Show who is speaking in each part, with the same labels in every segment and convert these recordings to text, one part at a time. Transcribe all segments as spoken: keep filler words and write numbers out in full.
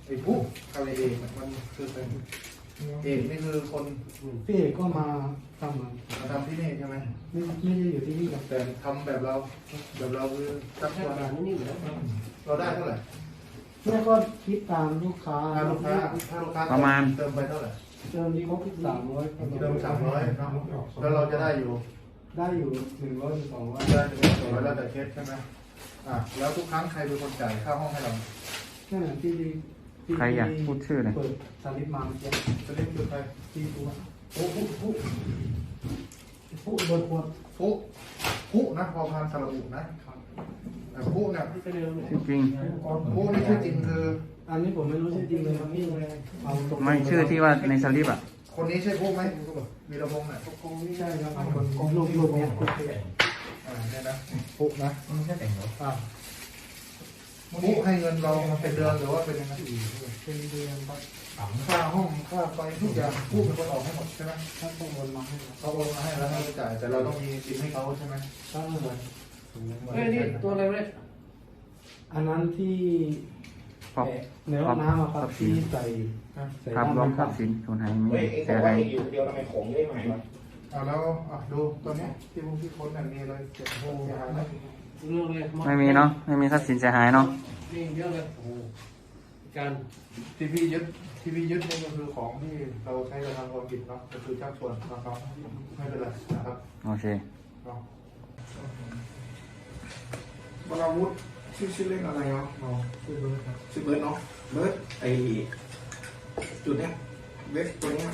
Speaker 1: ไอ้ผู้อะไรเองมันคือเป็นเอกนี่คือคน
Speaker 2: พี่เอกก็มาทำมา
Speaker 1: มาทำที่นี่ใช่ไหม
Speaker 2: ไม่ไม่ได้อยู่ที่นี่ครับ
Speaker 1: แต่ทำแบบเราแบบเราคือจับ
Speaker 3: แค่
Speaker 1: ตัว
Speaker 3: การนี่อยู่แล้ว
Speaker 1: เราได้เท่าไหร่
Speaker 2: เนี่ยก็คิดตามลูกค้า
Speaker 1: ถ้าลูกค้าถ้าลูกค้า
Speaker 4: ประมาณ
Speaker 1: เติมไปเท่าไหร่
Speaker 2: เติมที่เขาคิดสามร้อย
Speaker 1: เติมสามร้อยเนาะแล้วเราจะได้อยู่
Speaker 2: ได้อยู่หนึ่งร้อยสองร้อย
Speaker 1: ได้ถึงสองร้อยแล้วแต่เคสใช่ไหมอ่ะแล้วทุกครั้งใครเป็นคนจ่ายค่าห้องให้เรา
Speaker 2: แค่นั้นที่ที่
Speaker 4: ใครอยากพูดชื่อหน่อย
Speaker 2: เปิดสลิปมาเมื่อกี้
Speaker 1: จะเรียกคือใคร
Speaker 2: ที่ตัว
Speaker 1: ผู้ผู้ผู้
Speaker 2: ผู้โดนควร
Speaker 1: ผู้ผู้นะพอพานสระบุนะแต่ผู้เนี่ย
Speaker 3: ที่จะเร็วเนี่ย
Speaker 4: ชื่อจริง
Speaker 1: ผู้นี่ชื่อจริงคือ
Speaker 2: อันนี้ผมไม่รู้ชื่อจริงเลยครับพี่เอาตรง
Speaker 4: ไม่ชื่อที่ว่าในสลิปอ่ะ
Speaker 1: คนนี้ใช่ผู้ไหมวีรพงษ์เนี่ย
Speaker 2: คงไม่ใช่ครับคนคนลูกลูกเนี่ย
Speaker 1: อ่าเนี่ยนะผู้นะ
Speaker 3: ไม่ใช่แต่งรถ
Speaker 1: อ่าผู้ให้เงินเราเป็นเดือนหรือว่าเป็นยังไง
Speaker 2: เป็นเดือนครับ
Speaker 1: ค่าห้องค่าไฟทุกอย่างผู้เป็นคนออกให้หมดใช่ไหม
Speaker 2: ถ้าต้องวนมาให้ครับ
Speaker 1: เขาโอนมาให้แล้วให้เราจ่ายแต่เราต้องมีบินให้เขาใช่ไหม
Speaker 2: ถ้าเหมือน
Speaker 3: เฮ้ยนี่ตัวอะไรเนี่ย
Speaker 2: อันนั้นที่
Speaker 4: พร้อม
Speaker 2: ในห้องน้ำอะครับที่ใส่ใส่
Speaker 4: ภาพรวมทรัพย์สินสูญหายไม่เสียหาย
Speaker 3: เดียวทำไมของได้ไหมวะ
Speaker 1: อ่าแล้วอ่ะดูตัวเนี้ยที่พวกที่โค้ดเนี่ยมีอะไรเจ็บโอ้ยหายไหม
Speaker 3: เรื่องเลย
Speaker 4: ไม่มีเนาะไม่มีทรัพย์สินเสียหายเนาะ
Speaker 3: นี่เยอะเลยโอ้การ
Speaker 1: ที่พี่ยึดที่พี่ยึดนี่ก็คือของที่เราใช้กระทำความผิดเนาะก็คือชักชวนนะครับไม่เป็นไรนะครับ
Speaker 4: โอเค
Speaker 1: เนาะ
Speaker 5: วราวุธชื่อชื่อเล่นอะไรเนาะเรา
Speaker 2: คือเบอร์ครับ
Speaker 5: ชื่อเบิร์ดเนาะเบิร์ดไอจุดเนี้ยเว็บตัวเนี้ย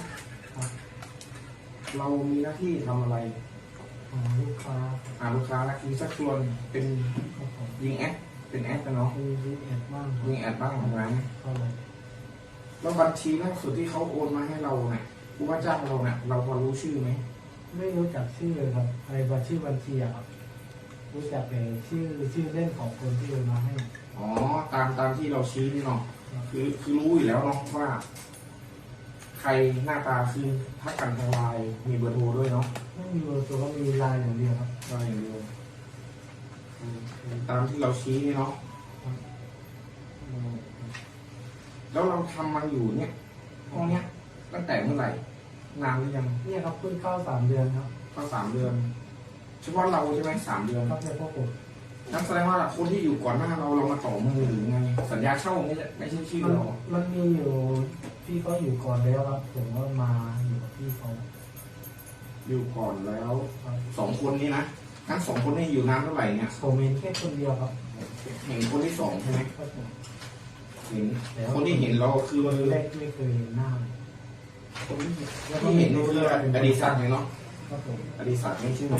Speaker 5: เรามีหน้าที่ทำอะไร
Speaker 2: ของลูกค้า
Speaker 5: หาลูกค้าและมีสักชวนเป็นยิงแอดเป็นแอดนะเนาะ
Speaker 2: มีวิแอดบ้าง
Speaker 5: ยิงแอดบ้างของร้าน
Speaker 2: ก็เลย
Speaker 5: แล้วบัญชีล่าสุดที่เขาโอนมาให้เราเนี่ยผู้ว่าจ้างเราเนี่ยเราพอรู้ชื่อไหม
Speaker 2: ไม่รู้จักชื่อเลยครับไอ้บัญชีบัญชีอะครับรู้จักแต่ชื่อชื่อเล่นของคนที่โอนมาให้
Speaker 5: อ๋อตามตามที่เราชี้นี่เนาะคือคือรู้อยู่แล้วเนาะว่า ใครหน้าตาคือทักกันทางไลน์มีเบอร์โทรด้วยเนาะ
Speaker 2: ไม่มีเบอร์ตัวก็มีไลน์อย่างเดียวครับ
Speaker 5: ได้อย่างเดียวอืมตามที่เราชี้นี่เนาะอืมแล้วเราทำมาอยู่เนี่ยห้องเนี้ยตั้งแต่เมื่อไหร่ นานหรือยัง
Speaker 2: เนี่ยครับเพิ่งเข้าสามเดือนครับ
Speaker 5: ก็สามเดือนเฉพาะเราใช่ไหมสามเดือน
Speaker 2: ครับในพวกผม
Speaker 5: นั่นแสดงว่าคนที่อยู่ก่อนหน้าเราเรามาต่อมือหรือไง สัญญาเช่านี่แหละไม่ใช่ชื่อ
Speaker 2: มัน
Speaker 5: เรา
Speaker 2: มันมีอยู่พี่เขาอยู่ก่อนแล้วครับผมก็มาอยู่กับพี่เขา
Speaker 5: อยู่ก่อนแล้วสองคนนี้นะทั้งสองคนนี้อยู่นานเท่าไหร่เนี่ย
Speaker 2: ผมเห็นแค่คนเดียวครับ
Speaker 5: เห็นคนที่สองใช่ไหม
Speaker 2: ครับผม
Speaker 5: เห็นคนที่เห็นเราคือ
Speaker 2: คนแรกไม่เคยเห็นหน้าเลย
Speaker 5: คนที่เห็นนี่คืออดีศักดิ์เลยเนาะ
Speaker 2: ครับผม
Speaker 5: อดีศักดิ์นี่ชื่อ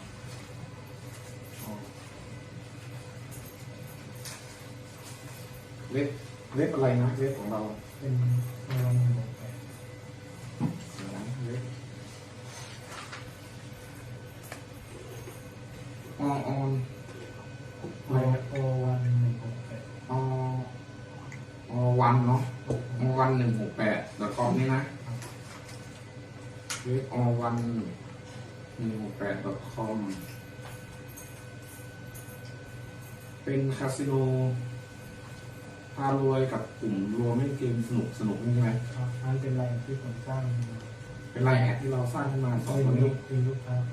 Speaker 5: เว็บเว็บอะไรนะเว็บของเรา
Speaker 2: เป็นเมืองหนึ่งแปด
Speaker 5: เว็บออนออน
Speaker 2: โอโอวันหนึ่งหกแปด
Speaker 5: ออวันเนาะอวันหนึ่งหกแปดดอทคอมนี่นะเว็บอวันหนึ่งหกแปดดอทคอมเป็นคาสิโนพารวยกับกลุ่มรวมเล่นเกมสนุกสนุกนี่ใช่ไหม
Speaker 2: ครับนั่นเป็นไรที่ผมสร้าง
Speaker 5: เป็นไลน์แอดที่เราสร้างขึ้นมาสอง
Speaker 2: เป็น
Speaker 5: คน
Speaker 2: ลู
Speaker 5: นี้
Speaker 2: กเป็นลูกค้า